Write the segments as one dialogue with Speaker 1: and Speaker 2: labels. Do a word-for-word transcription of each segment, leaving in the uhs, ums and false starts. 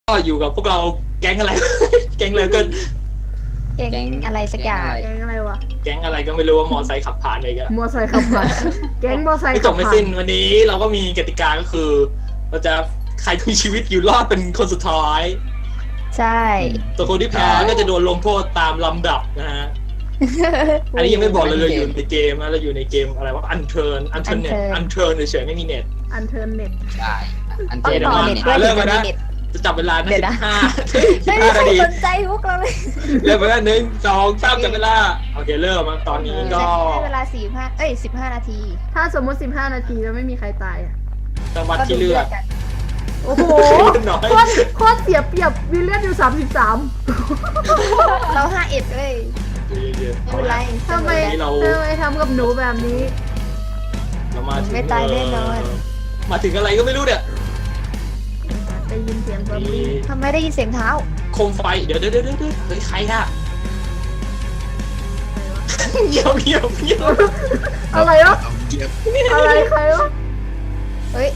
Speaker 1: ก็อยู่กับพวกเราแก๊งอะไร แก๊งเลยก็
Speaker 2: แก๊งอะไรสักอย่าง
Speaker 3: แก๊งอะไรวะ
Speaker 1: แก๊งอะไรก็ไม่รู้ว่ามอไซค์ขับผ่านอะไรกัน
Speaker 3: มอไซค์ขับผ่านแก๊งมอไซค์
Speaker 1: ไม่จ
Speaker 3: ขั
Speaker 1: บบ ไม่
Speaker 3: ผ่าน
Speaker 1: สิ้นวันนี้เราก็มีกติกาก็คือ เราจะใครที่มีชีวิตอยู่รอดเป็นคนสุดท้าย
Speaker 2: ใช่
Speaker 1: ตัวคนที่แพ้ก็จะโดนลงโทษตามลำดับนะฮะ อันนี้ยังไม่บอกเลยเราอยู่ในเกมนะเราอยู่ในเกมอะไรวะอันเทิร์นอันเทิร์นเน็ตอันเทิร์นเฉยๆไม่มีเน็ต
Speaker 3: อันเทิร์นเน็ต
Speaker 4: ใช่อัน
Speaker 2: ต้อ
Speaker 4: เจ
Speaker 2: ง
Speaker 4: น
Speaker 2: ต่อ
Speaker 4: มา
Speaker 2: เน็ต
Speaker 4: เนี่ย
Speaker 2: ด้วย
Speaker 1: เริ่
Speaker 2: ถึ
Speaker 1: ม
Speaker 2: ง
Speaker 1: แล้วนะ
Speaker 2: จะมีเน็ต
Speaker 1: จะจับเวลานะ
Speaker 2: เดี๋ยว
Speaker 1: สิ
Speaker 2: นะ
Speaker 1: บห้าสิ
Speaker 2: ไม่
Speaker 1: บ
Speaker 2: มี
Speaker 1: ห้า
Speaker 2: ใคร
Speaker 1: นาที
Speaker 2: สนใจพวกเราเลย
Speaker 1: เริ่มไปแล้วหนึ่งสองสามจับเวลาโอเคเริ่มมาตอนนี้ก็
Speaker 2: ให้เวลาสี่ห้าเอ้ยสิบห้านาที
Speaker 3: ถ้าสมมติสิบห้านาทีแล้วไม่มีใครตายอ่ะ
Speaker 1: จังหวัดที่เลือก
Speaker 2: กัน
Speaker 3: โอ้โห
Speaker 1: น้อย
Speaker 3: โคตรโคตรเสียเปรียบวิลเลียนอยู่สามสิบสาม
Speaker 2: เราห้าเอ็ดเลยไม่เป็นไร
Speaker 3: ทำไมทำไมทำกับหนูแบบนี้
Speaker 1: เรามาถึง
Speaker 2: ไม่ตายแน่นอน
Speaker 1: มาถึงอะไรก็ไม่รู้เนี่ย
Speaker 3: ได้ยินเสียงซอม
Speaker 1: มี
Speaker 3: บี้
Speaker 2: ทำไมได้ยินเสียงเท้า
Speaker 1: โคมไฟเดี๋ยวเดี๋ยวเดี๋ยวเดี๋ยวเฮ้ยใครอะเงียบเงียบเงียบ
Speaker 3: อะไรวะอะไรใครวะ
Speaker 2: เฮ้ย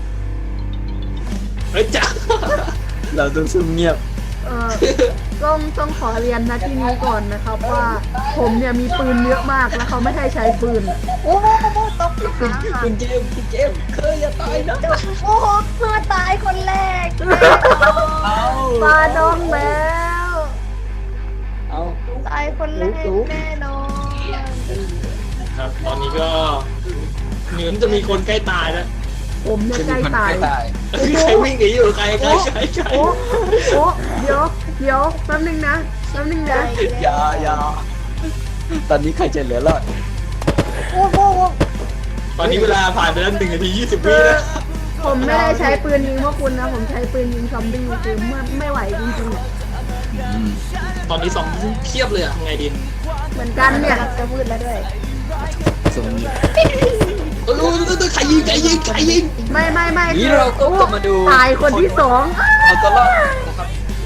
Speaker 1: เฮ้ยจ้า
Speaker 4: เราต้องซุ่มเงียบ
Speaker 3: เออต้องต้องขอเรียนนะที่นี้ก่อนนะครับว่าผมเนี่ยมีปืนเยอะมากแล้วเขาไม่ให้ใช้ปืน
Speaker 2: โอ้โหตกขา
Speaker 4: คุณเจมส์คุณเจมส์เคยอย่าตายนะ
Speaker 2: โอ้โหเพื่อตายคนแรก
Speaker 4: เอา
Speaker 3: ปลาดองแล้ว
Speaker 4: เอา
Speaker 2: ตายคนแรกแน่นอน
Speaker 1: ครับตอนนี้ก็เหมือนจะมีคนใกล้ตายแล้ว
Speaker 3: ผมเนี่ย
Speaker 4: จะ
Speaker 3: ใก
Speaker 4: มี
Speaker 3: ล้
Speaker 4: คน
Speaker 3: ตาย
Speaker 4: ใกล้ตาย
Speaker 1: ใครวิ่งหนีอยู่ใครใครใครใคร
Speaker 3: โอ้โอ้เดี๋ยวเดี๋ยวแป๊บนึงนะแป๊บนึงนะ
Speaker 4: อย่าอย่าตอนนี้ใครจะเหลือรอด
Speaker 2: โอ้โห
Speaker 1: ตอนนี้เวลาผ่านไปแล้วหนึ่งนาทียี่สิบวิ
Speaker 3: คือ
Speaker 1: แล้ว
Speaker 3: ผมไม่ได้ใช้ปืนยิงพวกคุณนะผมใช้ปืนยิงซอมบี้คือไม่ไม่ไหวจริงๆอะ
Speaker 1: ตอนนี้สองเทียบเลยอะทำไงดี
Speaker 3: เหมือนกันเนี่ย
Speaker 2: กำลังจะมืดแล้วด้วย
Speaker 4: ซุ่มเงียบ
Speaker 1: เออเออใครยิงใครยิงใครยิง
Speaker 3: ไม่ไม่ไม่
Speaker 4: นี่
Speaker 3: คือ
Speaker 4: เราก็จะมาดู
Speaker 3: ตายคนที่สอง
Speaker 4: เอาตัวรอดนะครับ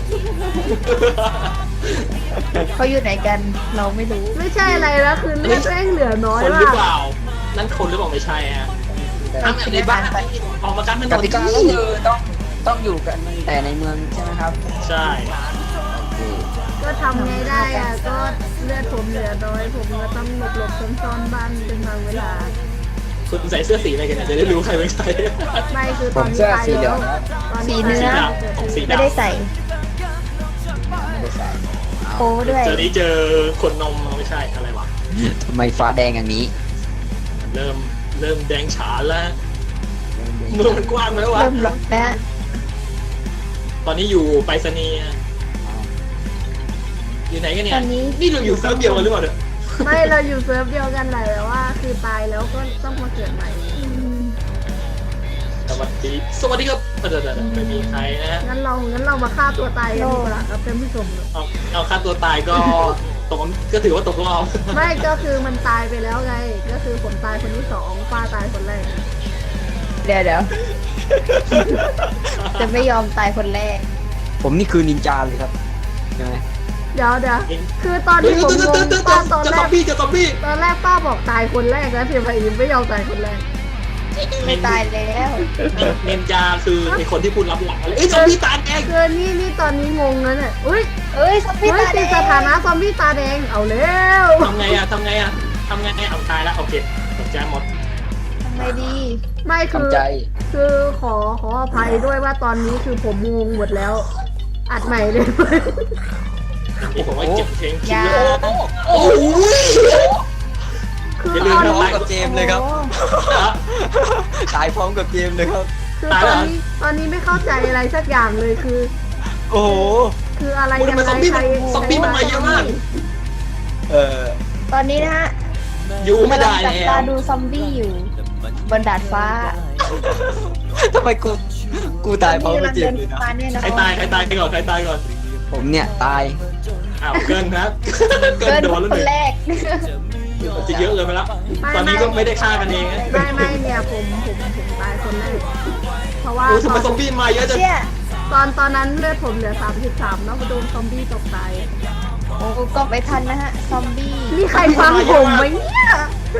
Speaker 2: เขาอยู่ไหนกันเราไม่รู้
Speaker 3: ไม่ใช่อะไรนะคือเลือดแม่งเหลือน้อย
Speaker 1: คนหรือ
Speaker 3: มา
Speaker 1: เป
Speaker 3: ก
Speaker 1: ล่า นั่นคนหรือเปล่าไม่ใช่ฮะทำแบบในบ้านออกมากันถน
Speaker 4: ก
Speaker 1: น
Speaker 4: ติกาก็คือต้องต้องอยู่กันแต่ในเมืองใช่ไหมครับ
Speaker 1: ใช่
Speaker 4: โอเค
Speaker 3: ก็ทำไงได้อะก็เลือดผมเหลือน้อยผมก็ต้องหลบหลบซ่อนซ่อนๆบ้านเป็นบางเวลา
Speaker 1: คุณใส่เสื้อสีอะไรกันเนี่ยจะได้รู้ใครเป็นใคร
Speaker 3: ไม่คือ
Speaker 4: ผ
Speaker 3: ตอน
Speaker 4: ม
Speaker 3: นี้
Speaker 4: เสื้อ
Speaker 3: ตาย
Speaker 4: สีเหลื
Speaker 3: แล้
Speaker 4: อ
Speaker 3: ว
Speaker 4: งนะ
Speaker 3: ตอน
Speaker 2: สี
Speaker 3: นี้
Speaker 2: เนื้อ
Speaker 3: ตาย
Speaker 1: ของสี
Speaker 2: ไม่
Speaker 1: ดำ
Speaker 2: ได้ใส่
Speaker 4: ไม่ได้ใส่
Speaker 2: โอ้ด้วย
Speaker 1: เจอนี้เจอคนนมไม่ใช่อะไรวะ
Speaker 4: ทำไมฟ้าแดงอย่างนี้
Speaker 1: เริ่มเริ่มแดงฉานแล้วเมืองมันกว้างแล้ววะ
Speaker 2: เริ่มล็อกแล้ว
Speaker 1: ตอนนี้อยู่ไปรษณีย์อยู่ไหนกันเนี่ย
Speaker 2: ตอนนี้
Speaker 1: นี่เราอยู่เซิร์ฟเดียวกันหรือเปล่าเนี่ย
Speaker 3: ไม่เราอยู่เซิร์ฟเดียวกันแหละแต่ว่า คือตายแล้วก็ต้องมาเกิดใหม่
Speaker 1: สวัสดีสวัสดีครับเดี๋ยวเดี๋ยวไม่มีใครนะฮะ
Speaker 3: งั้นเรางั้นเรามาฆ่าตัวตายกันดีกว่าครับท่านผู้ชม
Speaker 1: เอาเอาค่าตัวตายก็ตกก็ถือว่าตกรอบ
Speaker 3: ไม่ก็คือมันตายไปแล้วไง ก็คือผมตายคนที่สองป้าตายคนแรก
Speaker 2: เดี๋ยวเดี๋ยวจะไม่ยอมตายคนแรก
Speaker 4: ผมนี่คือนินจาเลยครับใช่ไหม
Speaker 3: เดี๋ยวเดี๋ยวคือตอน
Speaker 1: เฮ้ย
Speaker 3: ที่ผม
Speaker 1: เตือน
Speaker 3: ง
Speaker 1: เตือน
Speaker 3: ง
Speaker 1: เตือน
Speaker 3: ป้าตอน
Speaker 1: จะ
Speaker 3: แร
Speaker 1: ซอม
Speaker 3: ก
Speaker 1: บี้จะซอมบี้
Speaker 3: ตอนแรกป้าบอกตายคนแรกแล้วเพียงพยิไม่ยอมตายคนแรก
Speaker 2: ไม่ตายแล้ว
Speaker 1: เนนจาคือไอคนที่พูดรับหลังอะไรเอ้ยซอมบี้ตาแดง
Speaker 3: คือนี่นี่ตอนนี้งงแล้วเนี่ยอุ้ย
Speaker 2: เอ้ยซอมบี้
Speaker 3: เฮ้ย
Speaker 2: ตาแด
Speaker 3: ติด
Speaker 2: ง
Speaker 3: สถานะซอมบี้ตาแดงเอาแล้ว
Speaker 1: ทำไงอะทำไงอะทำไงเอาตายแล้วโอเคตกใจหมด
Speaker 2: ทำไงดี
Speaker 3: ไม่คือ
Speaker 4: ทำใจ
Speaker 3: คือขอขออภัยด้วยว่าตอนนี้คือผมงงหมดแล้ว อัดใหม่เลยไหม
Speaker 1: นี่ผมว่าเก็บเพลงคิ
Speaker 2: อย่า
Speaker 1: วโอ้โห
Speaker 3: คือ
Speaker 1: อย่าลื
Speaker 3: ต
Speaker 1: ม
Speaker 3: อน
Speaker 1: นะ
Speaker 3: นี้
Speaker 4: พร้อมกับเจมส์เลยครับ ตายพร้อมกับเจมส์เลยครับ
Speaker 3: คือตอนนี้ตอนนี้ไม่เข้าใจอะไรสักอย่างเลยคือ
Speaker 4: โอ้โห
Speaker 3: คืออะไร
Speaker 1: ทำ
Speaker 3: ยัง
Speaker 1: ไม
Speaker 3: ไง
Speaker 1: ซอมบี้
Speaker 3: ใค
Speaker 1: มั
Speaker 3: ร
Speaker 1: นซอมบี้มันมาเยอะมาก
Speaker 4: เออ
Speaker 2: ตอนนี้นะฮะ
Speaker 1: อยู่ไม่ได้
Speaker 2: กำลังจับ
Speaker 1: แล้
Speaker 2: ตาว ดูซอมบี้อยู่ บนดาดฟ้า
Speaker 4: ทำไมกู กูตายพร้อมกับเจมส์เลยนะ
Speaker 2: มาแน่นอน
Speaker 1: ใครตายใครตายก่อนใครตายก่อน
Speaker 4: ผมเนี่ยตาย
Speaker 1: อ้าวเกินครับเกิ
Speaker 2: เกิ
Speaker 1: น
Speaker 2: น
Speaker 1: โดนแล้ว
Speaker 2: ค
Speaker 1: ห
Speaker 2: น
Speaker 1: นึ่ง
Speaker 2: แรก
Speaker 1: จะเยอะเลยไปแล้วตอนนี้ก็ไม่ได้ฆ่ากันเองนะ
Speaker 3: ไม่ไม่เนี่ยผมผมผมตายคนแรกเพราะว่า
Speaker 1: โอ้ทำ
Speaker 3: ต
Speaker 1: ไม
Speaker 3: อน
Speaker 1: ซอมบี้มาเยอะจัง
Speaker 2: เชี่ย
Speaker 3: ตอนตอนนั้นเลือดผมเหลือสามสิบสามแล้วก็โดนซอมบี้ตกตาย
Speaker 2: โอ้ก็ไม่ทันนะฮะ ซอมบี้
Speaker 3: มีใครฟังผมไหมเนี่ย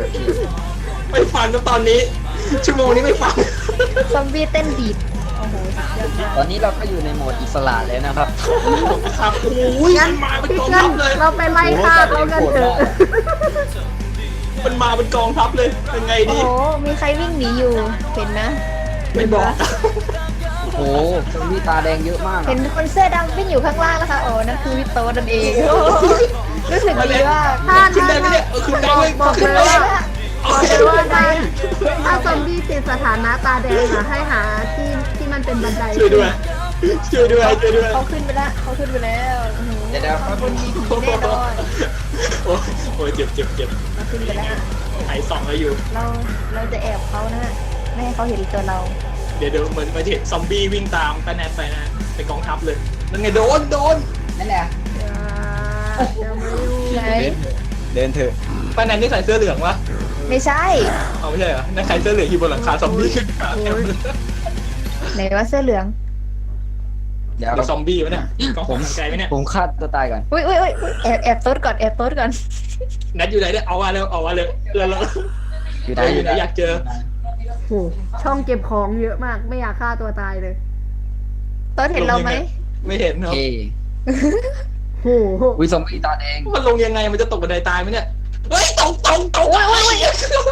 Speaker 1: ไม่ฟังแล้วตอนนี้ ชั่วโมงนี้ไม่ฟัง
Speaker 2: ซอมบี้เต้นบีดโอ้โห
Speaker 4: ตอนนี้เราก็อยู่ในโหมดอิสระเลยนะครับ
Speaker 1: ครับโอ้ย
Speaker 3: งั้
Speaker 1: มัน นมาเป็นกอง
Speaker 3: งั้
Speaker 1: ทั
Speaker 3: น
Speaker 1: พเลย
Speaker 3: เราไปไล่ฆ่าเขากันเถอะ
Speaker 1: มันมาเป็นกองทัพเลยเป็นไง
Speaker 2: โอ้
Speaker 1: ดี
Speaker 2: โห มีใครวิ่งหนีอยู่ เห็นนะ
Speaker 1: ไม่บอก
Speaker 4: โอ้โหซอมบี้ตาแดงเยอะมาก
Speaker 2: เห็นคนเสื้อดำวิ่งอยู่ข้างล่างนะคะโอ้นั่นคือวิโตนั่นเองโอ้โหรู้สึกดีว่า
Speaker 3: ถ้า
Speaker 1: ขึ้น
Speaker 3: ถ้า
Speaker 1: ได้ไหมเนี่ยเออขึ้นได้
Speaker 3: บอก
Speaker 1: เว้ย
Speaker 3: บอก
Speaker 1: ขึ้น
Speaker 3: เลย
Speaker 1: ได้
Speaker 3: ว่าบอกเลยว่าได้ถ้าซอมบี้ติดสถานะตาแดงอะให้หาที่ที่มันเป็นบันได
Speaker 1: ช่วยด้วยช่วยด้วยช่วยด้วย
Speaker 2: เขาขึ้นไปแล้วเขาขึ้นไปแล้วโอ้โห
Speaker 4: เดี๋ยวเดี๋ยว
Speaker 2: ขอบคุณมีผีแน่นอน
Speaker 1: โอ้ยโอ้ยเจ็บเจ็บเจ็บ
Speaker 2: เราขึ้นไปแล้ว
Speaker 1: ไอ้สองเราอยู่
Speaker 2: เราเราจะแอบเขานะฮะไม่ให้เขาเห็นตัวเรา
Speaker 1: เดี๋ยวเดี๋ยวเหมือนมาเห็นซอมบี้วิ่งตามป้าแนทไปนะเป็นกองทัพเลยนั่นไงโดนโดน
Speaker 4: นั่นแหละ
Speaker 3: อย่าอย่ามายุ่ง
Speaker 2: ไหน
Speaker 4: เดินเถอะ
Speaker 1: ป้าแนทนี่ใส่เสื้อเหลืองวะ
Speaker 2: ไม่ใช่
Speaker 1: เอาไม่ใช่เหรอนั่นใครเสื้อเหลืองอยู่บนหลังคาซอมบี้ขึ้นมา
Speaker 3: โอ้ย
Speaker 2: ไหนว่าเสื้อเหลือง
Speaker 4: เดี๋ยว
Speaker 1: หรือซอมบี้วะเนี่ยกองผมไกลไหมเนี่ย
Speaker 4: ผมฆ่าตัวตายก่อน
Speaker 2: อุ้ยอุ้ยอุ้ยอุ๊ยแอบแอบโต๊ดก่อนแอบโต๊ดก่อน
Speaker 1: แนทอยู่ไหนเนี่ยเอามาเร็วเอามาเร็วเร็วเร็ว
Speaker 4: อยู่ไหน
Speaker 1: เอออยู่ไหนอยากเจอ
Speaker 3: โหช่องเก็บของเยอะมากไม่อยากฆ่าตัวตายเลย
Speaker 2: โต๊ดเห็นเราไหม
Speaker 1: ไม่เห็น
Speaker 4: โอ
Speaker 1: เนาะ
Speaker 4: เค
Speaker 3: โห
Speaker 4: วิซอมบี้ตาแดง
Speaker 1: มันลงยังไงมันจะตกบันไดตายไหมเนี่ยเฮ้ยตกตกตกโอ้ย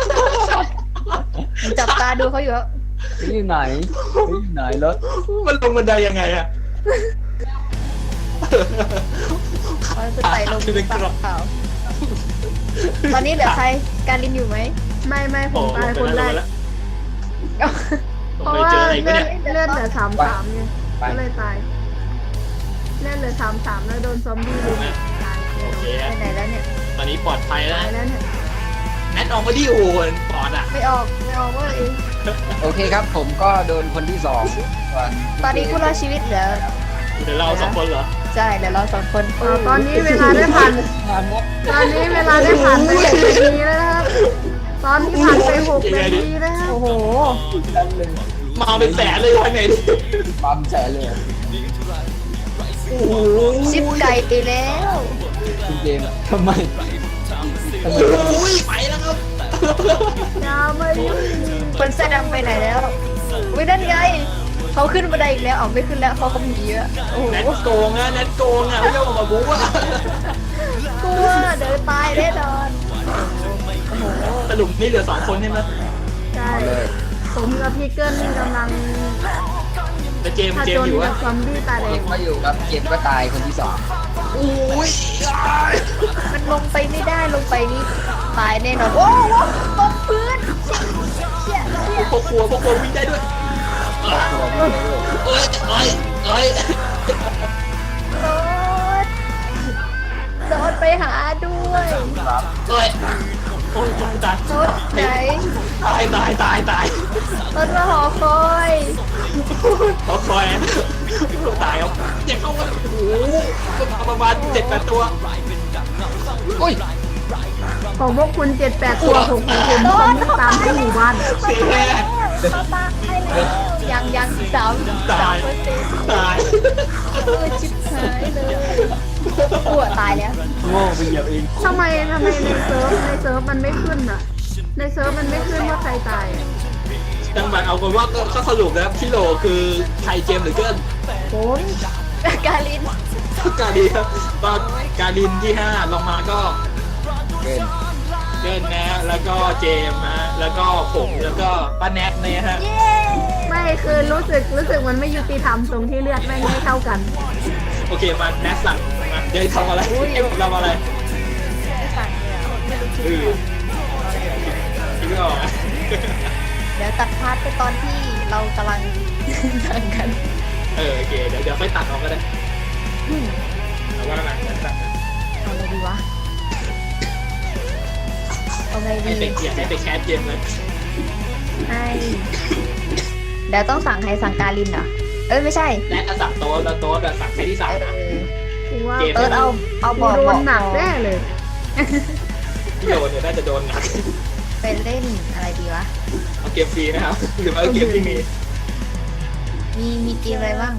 Speaker 2: จับตาดูเขาอยู่แล้ว
Speaker 4: อยู่ไหนอยู่ไหนรถ
Speaker 1: มันลงบันไดยังไงอะ
Speaker 2: เขาจะไต่ลงปากเปล่าตอนนี้เหลือใครการลินอยู่ไหม
Speaker 3: ไม่ไม่ผมตายคนแรก เพราะ
Speaker 1: ไม่
Speaker 3: ว่า
Speaker 1: เจออะไรไหม
Speaker 3: เลือด
Speaker 1: เนี่ย
Speaker 3: เลือดเหลือสามสามไงก็เลยตายเลือดเหลือสามสามแล้วโดนซอมบี้ลุมตาย
Speaker 1: โอเค
Speaker 2: ไปไหนแล้วเนี่ย
Speaker 1: ตอนนี้ปลอดภัยแล้ว
Speaker 3: ตายแล้วเนี่ย
Speaker 1: แนทออกมาดิโอ้ยปลอดอ่ะ
Speaker 2: ไม่ออกไม่ออกเว่าเอง
Speaker 4: โอเคครับ ผมก็โดนคนที่สองส่วน
Speaker 2: ตอนนี้ผู้รอดชีวิตเหลือ
Speaker 1: เดี๋ยวเราสองคนเหรอ
Speaker 2: ใช่เหลือเราสองคน
Speaker 3: อ่าตอนนี้เวลาได้ผ่าน
Speaker 4: งานมด
Speaker 3: ตอนนี้เวลาได้ผ่านไปหกนาทีแล้วนะครับ ตอนนี้ผ่านไปหกนาทีแล้วครับ
Speaker 2: โอ้โห
Speaker 4: นั่นเลย
Speaker 1: มาเป็นแสนเลยทางไหนดิ
Speaker 4: ปั๊มแสนเลย
Speaker 1: โอ้โห
Speaker 2: ชิปไก่ไปแล้ว
Speaker 4: คุณเจมส์ทำไมทำไม
Speaker 1: โอ้ยไปแล้วครับ
Speaker 3: อย่ามายุ่ง
Speaker 2: คนเสื้อดำไปไหนแล้ววินั่นไงเขาขึ้นบันไดอีกแล้วออกไม่ขึ้นแล้วเขาก็มีเยอะโอ้โห
Speaker 1: แนทโกงอะแนทโกงอะไม่ยอมออกมาบู๊อะ
Speaker 2: กลัวเดินตายแน่นอนโอ้โห
Speaker 1: สรุปนี่เหลือสองคนใช่ไหม
Speaker 3: ใช่ผมกับพี่เกิ้ลกำลัง
Speaker 1: แต่เจมส์
Speaker 3: ผ
Speaker 1: เจ
Speaker 3: จ
Speaker 1: ม
Speaker 3: ญ
Speaker 1: ส์อยู่
Speaker 3: กั
Speaker 1: วะ
Speaker 3: บซอมบี้ตาแด
Speaker 4: เก
Speaker 3: ง
Speaker 4: มก็อยู่ครับเกมก็ตายคนที่สอง
Speaker 1: โอ้ย
Speaker 2: มันลงไปไม่ได้ลงไปนี่ตายแน่นอนโอ้โหตกพื้นเชี่ยเชี่ย
Speaker 1: พวกครัวพวกครัววิ่งได้ด้วยเอ้ยเอ้ยเอ้ย
Speaker 2: โดนโดนไปหาด้วย
Speaker 1: เอ้ยโอ้ยตาย
Speaker 2: โดนไหน
Speaker 1: ตายตายตายตาย
Speaker 2: โดนมาหอคอย
Speaker 1: เขาคอยตายครับเจ็บเข้ามาโอ้โหประมาณเจ็ดแปดตัว
Speaker 4: อุ้ย
Speaker 3: ของพวกคุณเจ็ดแปดตัวของผมผมซอมบี้ตามให้หมู่บ้าน
Speaker 1: เสียแน่
Speaker 2: เขาตายแล้วยังยังสามสามเปอร์เซ็นต์
Speaker 1: ตาย
Speaker 2: เออชิบหายเลยปวดตายแล้ว
Speaker 4: โง่ไปเหยียบเอง
Speaker 3: ทำไมทำไมในเซิร์ฟในเซิร์ฟมันไม่ขึ้นอ่ะ ในเซิร์ฟมันไม่ขึ้นว่าใครตายอะ
Speaker 1: จังหวะเอาคนว่าก็สรุปแล้วพี่โหลคือไทยเจมหรือเกิน
Speaker 2: ผมกาลิน
Speaker 1: การินครับก็การินที่ห้าลงมาก็
Speaker 4: เกิน
Speaker 1: เกินนะแล้วก็เจมนะแล้วก็ผมแล้วก็ป้าแนทเนี่ยฮะ
Speaker 2: เย้
Speaker 3: ไม่คือรู้สึกรู้สึกมันไม่ยุติธรรมตรงที่เลือดแม่งไม่เท่ากัน
Speaker 1: โอเคมาแนทสั่งมาเดี๋ยวทำอะไรเอ็มทำอะไร
Speaker 2: ไม่สั่งเลยอะไม่รู้
Speaker 1: เอ
Speaker 2: ชื่อ
Speaker 1: อคิดไม่ออก
Speaker 2: เดี๋ยวตัดพาร์ทไปตอนที่เรากำลัง สั่งกัน
Speaker 1: เออโอเคเดี๋ยวเดี๋ยวค่อยตัดออกก็ได้
Speaker 2: อืม
Speaker 1: เอาว่ากันนะ
Speaker 2: เอาไงดีวะเอาไง
Speaker 1: ให้
Speaker 2: ดี
Speaker 1: ไปเกียร์ให้ไปแคสเกมเลย
Speaker 2: ให้เดี๋ยวต้องสั่งใครสั่งกาลินเหรอเอ้ยไม่ใช่
Speaker 1: แนทสั่งโต๊ะแล้วโต๊ะสั่งใครที่
Speaker 2: เอ
Speaker 1: สั่งนะ
Speaker 2: อ
Speaker 3: กูว่า
Speaker 1: เกม
Speaker 2: เออเอาเอาบ
Speaker 3: กู
Speaker 2: อก
Speaker 3: โด
Speaker 2: บอน ก
Speaker 3: หนักแน่เลย
Speaker 1: พี่โดนเนี่ยน่าจะโดนหนัก
Speaker 2: ไปเล่นอะไรดีวะ
Speaker 1: เอาเกมฟรีนะครับหรือว่าเกมที่มี
Speaker 2: มีมีเกมอะไรบ้าง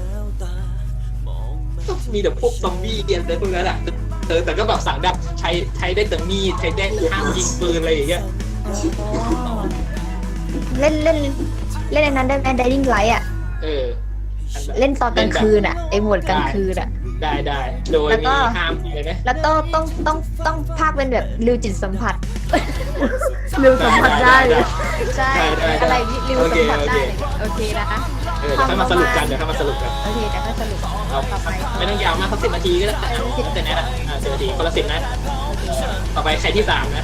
Speaker 1: มีแต่พวกซอมบี้เกมอะไรพวกนั้นแหละเออแต่ก็แบบสั่งได้ใช้ใช้ได้แต่มีดใช้ได้ห้ามยิงปืนอะไรอย่างเงี้ย
Speaker 2: เล่นเล่นเล่นในนั้นได้ไหม Dying Light อ่ะ
Speaker 1: เออ
Speaker 2: เล่นตอนกลางคืนอ่ะไอโหมดกลางคืนอ่ะ
Speaker 1: ได้ได้โดย
Speaker 2: แล้วก็
Speaker 1: มีห้ามเลยนะ
Speaker 2: แล้วต้องต้องต้องต้องภาคเป็นแบบริวจิตสัมผัส
Speaker 3: เร็วสัมผัสได้
Speaker 2: ใช่ อะไรนี่ริวสัมผัสได้โอเคนะคะ
Speaker 1: เออเดี๋ยวค่อยมาสรุปกันเดี๋ยวค่อยมาสรุปกัน
Speaker 2: โอเคเดี๋ยวก็สรุป
Speaker 1: เอา
Speaker 2: ต่อไป
Speaker 1: ไม่ต้องยาวมากสักสิบนาทีก็ได้แต่นะอ่าสิบนาทีคนละสิบนะ ต่อไปใครที่สามนะ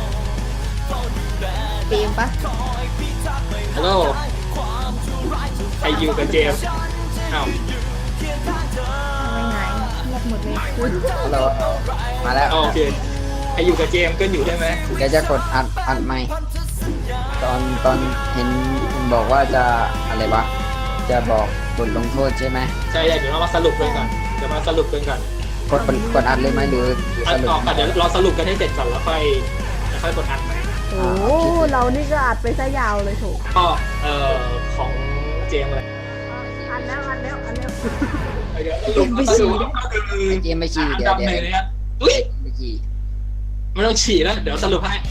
Speaker 2: เกมปะ
Speaker 1: ฮัลโหลใครอยู่กับเจมส์อ้าว
Speaker 2: ไม่หายเงียบหมดเลย
Speaker 4: ฮัลโหลมาแล้ว
Speaker 1: โอเคใครอยู่กับเจมส์ก็อยู่ใช่ไหม
Speaker 4: แกจะกดอัดอัดไหมค์ตอนตอนเห็นบอกว่าจะอะไรวะจะบอกบทลงโทษใช่ไหม
Speaker 1: ใช่เดี๋ยวเรามาสรุปกันก่อนเดี๋ยวมาสรุปกันก่อน
Speaker 4: กดกดอัดเลยไหมหรือหรือ
Speaker 1: อั
Speaker 4: ส
Speaker 1: ด
Speaker 4: รุป
Speaker 1: ออกก่อนเดี๋ยวเราสรุปกันให้เสร็จก่อนแล้วค่อยแล้วค่อยกดอัดใหม่
Speaker 3: โอ้เรานี่ก็อัดไปซะยาวเลยโถ
Speaker 1: ก็เอ่อของเจมส์เลย
Speaker 3: อันแล้วอันแล้วอันแล้ว
Speaker 1: เดี๋ยวสรุปสรุปก็คือ
Speaker 4: เกมไม่ฉี่
Speaker 1: อัน
Speaker 4: เดี๋ย
Speaker 1: ดั
Speaker 4: ว
Speaker 1: บ
Speaker 4: เดี๋ยว
Speaker 1: หนึ่งนะครับอุ้ย
Speaker 4: ไม่ฉี่
Speaker 1: ไม่ต้องฉี่แล้วเดี๋ยวสรุปให้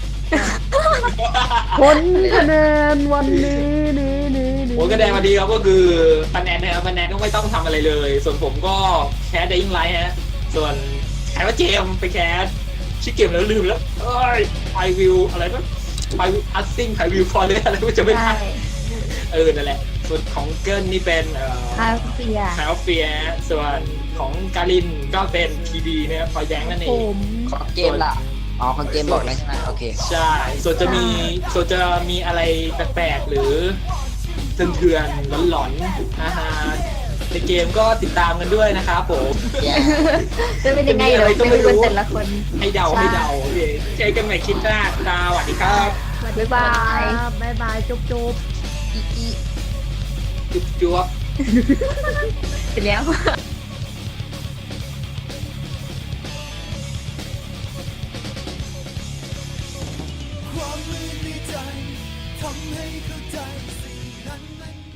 Speaker 3: ผลคะแนนวันนี้นี้นี้นี้
Speaker 1: ผลคะแนนมาดีครับก็คือคะแนนนะครับคะแนนก็ไม่ต้องทำอะไรเลย ส่วนผมก็แคส Dying Light ฮะส่วนใครว่าเจมส์ไปแคสชื่อเกมแล้วลืมแล้วเอ้ยไพวิวอะไรนะไพวิวอัสซิ่งไพวิวฟอร์เรสอะไรก็จะไม่
Speaker 2: ใช่
Speaker 1: ได้เออนั่นแหละส่วนของเกิลนี่เป็นเอ่อ
Speaker 2: คาเฟีย
Speaker 1: คาเฟียส่วนของการินก็เป็นพีดีนะครับพอแย้งนั่นเอ
Speaker 3: ผ
Speaker 1: ง
Speaker 3: ม
Speaker 4: ของเกมล่ะอ๋อของเกมบอกแล้วใช่ไหมโอเค
Speaker 1: ใช่ ส่วนจะมีส่วนจะมีอะไรแปลกๆหรือเถื่อนๆหลอนๆนะฮะในเกมก็ติดตามกันด้วยนะครับผม
Speaker 4: แย่
Speaker 2: จะเป็นยังไงเดี๋ยวไปดูกันแต่ละคน
Speaker 1: ให้เดาให้เดาโอเคเจอกันใหม่คลิปหน้าสวัสดีครับ
Speaker 2: บ๊ายบาย
Speaker 3: ครับบ๊ายบายจุ๊บจุ๊บ
Speaker 2: อีอี
Speaker 1: จุ๊บจ๊วบ
Speaker 2: ไปแล้ว
Speaker 5: ความมืดในใจทำให้เข้าใจสิ่งนั้นมัน